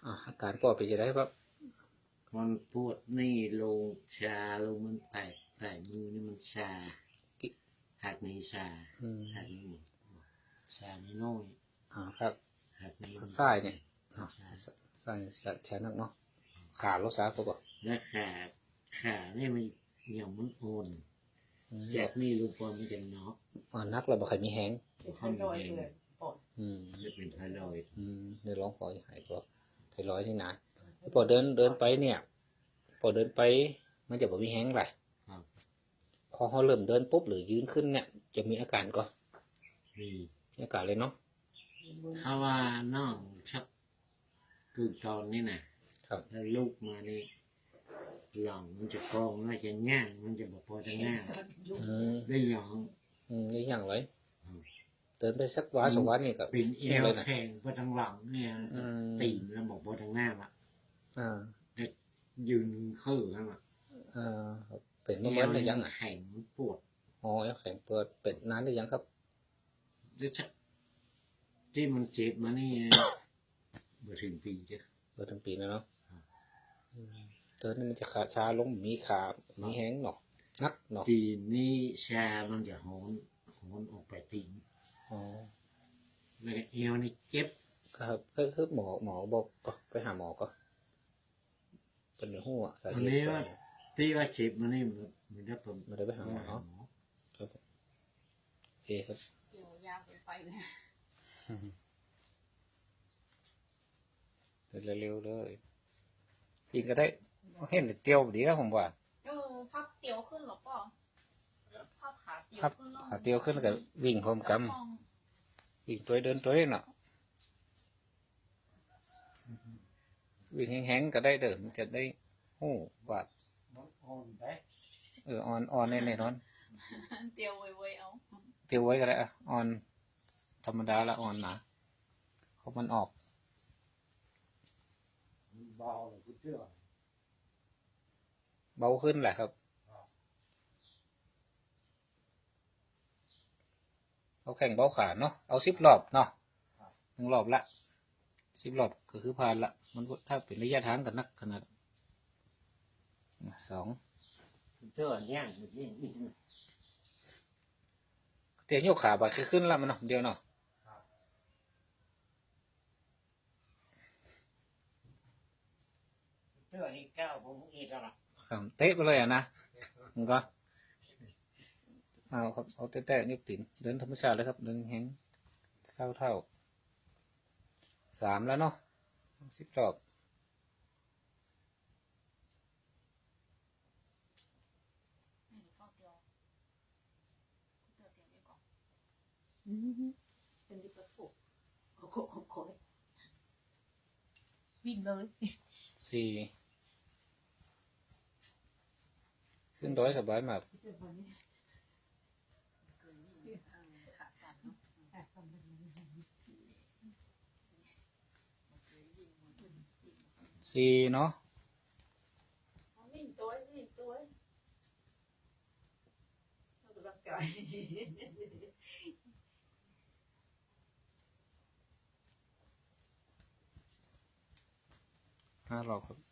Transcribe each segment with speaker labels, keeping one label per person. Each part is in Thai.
Speaker 1: อาการปอดเป็นจะได้ครับ
Speaker 2: มันปวดนี่ลงชาลงมันแตะมือนี่มันชาหักในชาหักนี่ชาไม่น้อย
Speaker 1: ครับ
Speaker 2: หักนี่
Speaker 1: ไส้เนี่ยไส้แฉนักเนาะขาลดซาก็บอก
Speaker 2: และขาเนี่ยมันอย่างมันโอนจากนี่ลูกบอลมันจะน็อก
Speaker 1: นักเราบอกใครมีแห้ง
Speaker 2: ข้างในจะเป็นไทรอยด์
Speaker 1: เนื้อร้องขอหายก็ไทรอยด์นี่นะพอเดินไปเนี่ยพอเดินไปมันจะบอกมีแห้งไรพอเขาเริ่มเดินปุ๊บหรือยืนขึ้นเนี่ยจะมีอาการก็มีอาการเลยเนาะ
Speaker 2: เขาว่าน้องชักคือตอนนี้นะครับแล้วลูกมานี่หลังมันจะกองน่าจะง่างมันจะบอกพอจะง่างได้หยอง
Speaker 1: นี่อย่างไรเดินไปสักวันสองวันนี่ก็
Speaker 2: เป็นเอวแข็งพอทางหลังเนี่ยตีนแล้วบอกพอทางหน้าอ่ะยืนคือครับ
Speaker 1: เป็นเมื่อไรยัง
Speaker 2: แข็งปวด
Speaker 1: แข็งปวดเป็นนานหรือยังครับ
Speaker 2: ที่มันเจ็บมานี่เมื่อถึงปีจ้ะ
Speaker 1: เมื่อถึงปีแล้วเนาะเดินนี่มันจะขาชาลงมีขามีแห้งหนอกนักหนอก
Speaker 2: ทีนี้ชามันจะหอนออกไปตีนแล้วเอวนี่เจ็บ
Speaker 1: ครับคือหมอบอกก็ไปหาหมอก็เป็นเนื้อหัวสาเหตุ
Speaker 2: ที่ว่าเจ็บมันนี่มันจะผม
Speaker 1: มันได้ไปหาหมอครับโอเคครับ
Speaker 3: เดี๋ยวยาวเกินไปเลย
Speaker 1: เร็วๆเลยกินก็ได้เห็นเตียวดีแล้วผมว่า
Speaker 3: พับเตียวขึ้นหรอป่ะพับขาเตียวขึ้น
Speaker 1: ขาเตียวขึ้นแล้วก็วิ่งพร้อมกันวิ่งตัวเดินตัวเนาะวิ่งแห้งๆก็ได้เดินจะได้หูบาดอ่อนแน่นอน
Speaker 3: เตียวไว้เอา
Speaker 1: เตียวไว้ก็ได้อ่อนธรรมดาละอ่อนนะเพราะมันออกเบาขึ้นแหละครับเอาแข่งเบาขาเนาะเอา10 รอบเนาะ1 รอบละ10 รอบก็คือผ่านละมันถ้าเป็นระยะทางกันนักขนาด2
Speaker 2: เจอเนี่ย
Speaker 1: เตียงโยกขาบาดขึ้นละมันเนาะเดียวเนาะ
Speaker 2: เจอที่9ผมอีกแล้ว
Speaker 1: เตะไปเลยนะมันก็เอาครับเอาเตะๆนิ้วติ่นเดินธรรมชาติเลยครับเดินแห้งเท่า3แล้วเนาะ10 รอบ
Speaker 3: เป็นดิบประตูขอวิ่งเลย
Speaker 1: 4ขึ้น100สบายมาก4เนาะ
Speaker 3: วิ่งตัวเรากำลังใจ
Speaker 1: 5 รอบครับ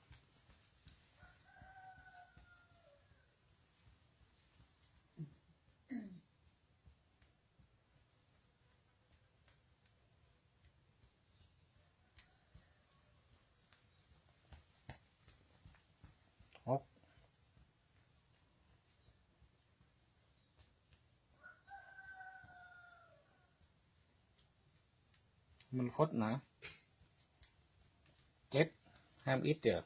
Speaker 1: มันคดนะ7ห้ามอิดเดี๋ยว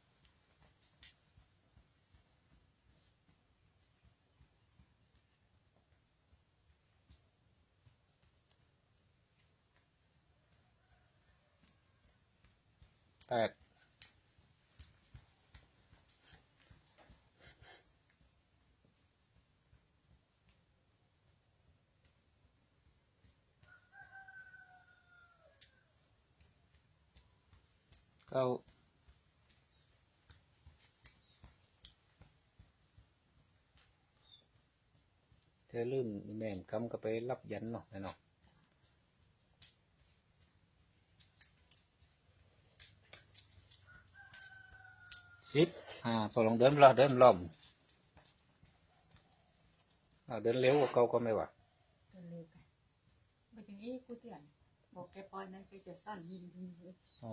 Speaker 1: 89เธอลืมแม่มคำก็ไปรับยันเนาะเนาะพอลองเดินรอบล้อมเดินเร็วกว่าเก่าก็ไม่ว่า
Speaker 4: เร็วกันไปถึงนี้กูเตียนบอกแกปล่อยนั่นแกจะสั้นยิงเลย
Speaker 1: อ๋อ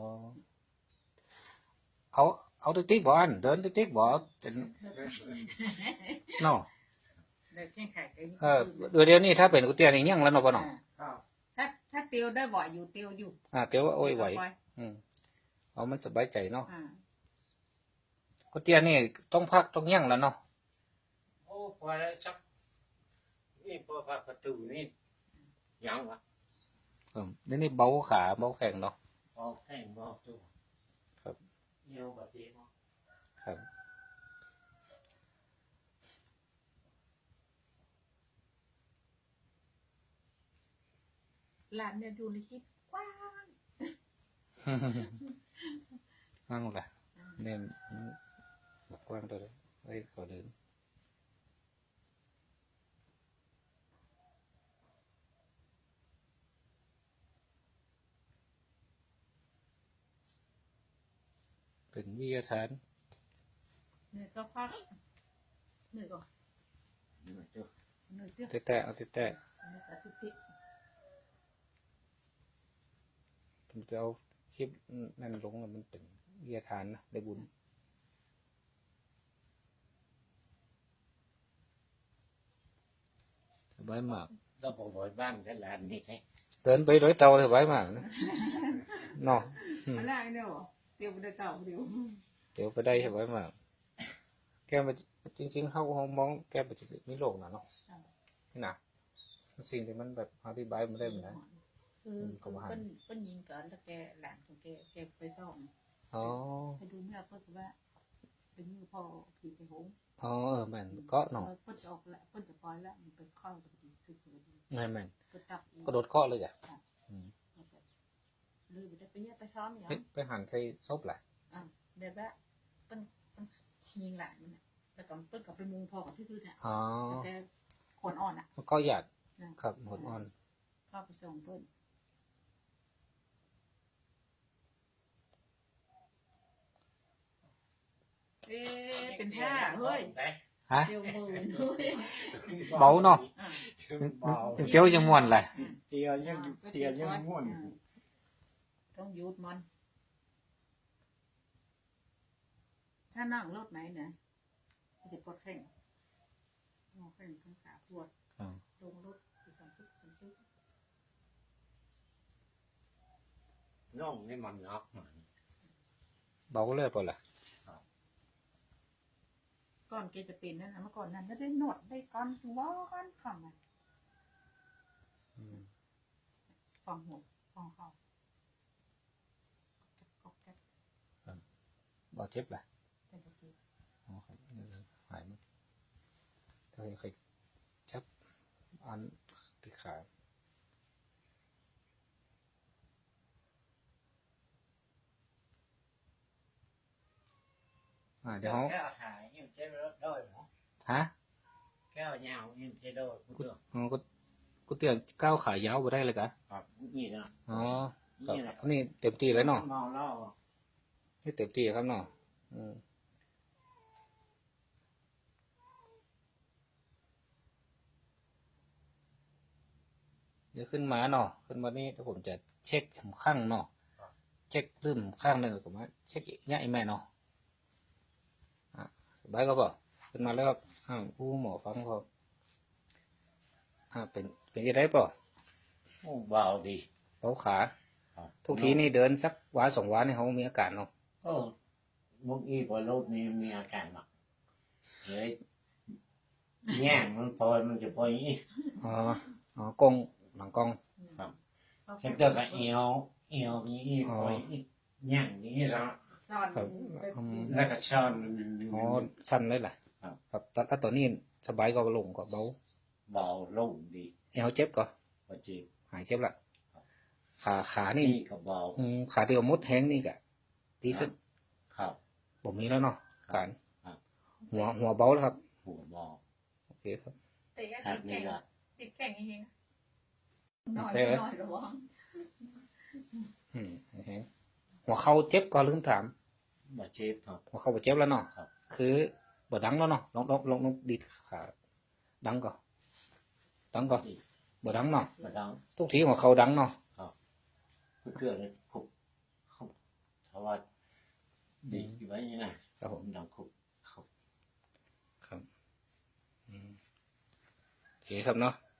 Speaker 1: เอาติ๊กๆบ่อันเดินติ๊กๆบ่จะเนาะ
Speaker 4: เดินแข่งขันกัน
Speaker 1: เดี๋ยวนี้ถ้าเป็นกุเตียนอีกยังแล้วเนาะบ่เนาะ
Speaker 2: ครับ
Speaker 4: ถ้าเตียวได้บ่อยอยู่เตียวอยู่
Speaker 1: เตียวว่าโอ้ยไหวเอามันสบายใจเนาะกุเตียนนี่ต้องพักต้องยั่งแล้วเนาะ
Speaker 2: โอ้พอแล้วชักนี่พอประตูนี่ยังวะ
Speaker 1: นี่เบาขาเบาแข้งเนาะ
Speaker 2: พอแข่งบอกตัว
Speaker 1: ครับ
Speaker 2: เยี่ยวแบบนี้เนาะ
Speaker 1: ครับ
Speaker 4: หลานเนี่ยอยู่ในคลิปกว้าง
Speaker 1: นั่งละเนี่ยกว้างตัวเลยไว้ขอเดินเป็นวิทยาฐาน
Speaker 4: เหนื่อยก็พักเหนื่อยก็
Speaker 2: เหนื่อยจ้ะ
Speaker 4: เหนื่อยเตี้ย
Speaker 1: แต่เอาแต่
Speaker 4: เหนื่อยกับทุกที
Speaker 1: ผมจะเอาคลิปนั่นลงมันเป็นวิทยาฐานนะได้บุญสบายมาก
Speaker 2: เราบอกไว้บ้านกันหลานนี่แค่
Speaker 1: เดินไปร้อยเตาสบายมากนะเนาะ
Speaker 4: มันได้เนี่ยเตียวไปได้เก่าเดียว
Speaker 1: เดี๋ยวไปได้สบายมากแกมันจริงๆเขามองแกมันจะมีโลกนะเนาะนี่นะสิ่งที่มันแบบอธิบายมันได้เหมือนกัน
Speaker 4: คือเป็นยิงก่อนแล้วแกหลานของแกไปซ่อม
Speaker 1: อ๋อ
Speaker 4: ไปดูเมื่อเพิ่นว่าเป็นมือพ่อผีไปหง
Speaker 1: อ๋อแม่นก็เนาะ
Speaker 4: เพิ่นจะออกแล้วเพิ่นจะปล่อยแล้วมันไปเข้าตรงนี้สุดเลย
Speaker 1: แม่นแม่น
Speaker 4: เพิ่นตัก
Speaker 1: ก็โดดข้อเลยจ้ะ
Speaker 4: ลืมไปได้ไปเนี่ยไปซ้อมอย่าง
Speaker 1: ไปหันใส่ซบแหละ
Speaker 4: เดี๋ยวว่าเพิ่นยิงหลานมันแต่ก่อนเพิ่นกับไปมุงพ่อกับที่คือเนี่ย
Speaker 1: อ๋อ
Speaker 4: แกขนอ่อนอ่ะ
Speaker 1: ก็หยาดครับหดอ่อน
Speaker 4: เข้าไปส่งเพิ่นเป็นท่าเฮ้ย
Speaker 1: ฮะ
Speaker 4: เดียวมือเฮ้ย
Speaker 1: เบาเนาะ
Speaker 2: เบา
Speaker 1: ถึงเจียวยังม่วนเลย
Speaker 2: เตียยังม่วน
Speaker 4: ต้องหยุดมัน ถ้านั่งรถไหนเนี่ยจะปวดแข้งงอแข้งข้างขาปวดลงรถไปสามสิบ
Speaker 2: น้องนี่มันงับมัน
Speaker 1: เบาเลยเปล่าล่ะ
Speaker 4: ก่อนแกจะเป็นนั่นนะเมื่อก่อนนั้นได้หนวดได้ก้อนว้าก้อนคำอ่ะฟังหัวฟังเขาก็แก๊ก
Speaker 1: เบาเจ็บแหละ
Speaker 4: เป็นตะกี้
Speaker 1: อ๋อครับหายมั้งถ้าใครชับอันติดขาเดี๋ยว
Speaker 2: แก้วหายยังใช้รถด้วยเหรอ
Speaker 1: ฮะ
Speaker 2: แก้วยาวยังใช้ด้วยกูเถอะ
Speaker 1: กูเตี้ยก้าวขายาวไปได้เลยกะ
Speaker 2: ครับนี่นะ
Speaker 1: อ๋อครับอันนี้เต็มที่แล้วเนาะ
Speaker 2: เมาเหล้า
Speaker 1: นี่เต็มที่ครับเนาะเดี๋ยวขึ้นมาเนาะขึ้นมานี่ถ้าผมจะเช็คข้างเนาะเช็คลืมข้างหนึ่งผมว่าเช็คง่ายแม่เนาะสบายก็บอกขึ้นมาแล้วครับผู้หมอฟังเขาเป็นยังไงป่ะ
Speaker 2: เบาดี
Speaker 1: เบาขาทุกทีนี่เดินสักวันสองวันนี่เขามีอาการเนาะ
Speaker 2: มุกอีพอโรคนี้มีอาการหนักเลยแง่มันพอมันจะพออย่างนี้
Speaker 1: กงหลังกง
Speaker 2: ฉันเจอกับเอวนี่พอแง่นี้แล้ว
Speaker 4: ซ่อน
Speaker 2: แล้วก็ช้อน
Speaker 1: สั้นเลยแหละครับแต่ตอนนี้สบายก็ลงก็เบา
Speaker 2: เบาลงดี
Speaker 1: เอวเจ็บก็
Speaker 2: พอจีบ
Speaker 1: หายเจ็บละขานี่
Speaker 2: นี่ก็เบา
Speaker 1: ขาที่ว่ามดแห้งนี่กะดีขึ้น
Speaker 2: ครับ
Speaker 1: ผมมีแล้วเนาะการหัวเบาแล้วครับ
Speaker 2: หัวเบา
Speaker 1: โอเคครับ
Speaker 4: แต่ยัง
Speaker 2: ครับนี่ก็
Speaker 4: ติดแข่งเองหน่อยระวัง
Speaker 1: แห้งหัวเข่าเจ็บก็ลืมถาม
Speaker 2: บาดเจ็บครับ
Speaker 1: หัวเข่าบาดเจ็บแล้วเนาะ
Speaker 2: ครับ
Speaker 1: คือบ่ดังแล้วเนาะลองดีดขาดังก่อนบ่ดังเนาะ
Speaker 2: บาดัง
Speaker 1: ทุกทีหัวเข่าดังเนาะ
Speaker 2: เพื่อเลยคุบคุบเพราะว่าดีอยู่ไว้นี่นะครับ
Speaker 1: ผม
Speaker 2: ดังคุบคุบ
Speaker 1: ครับโอเคครับเนาะ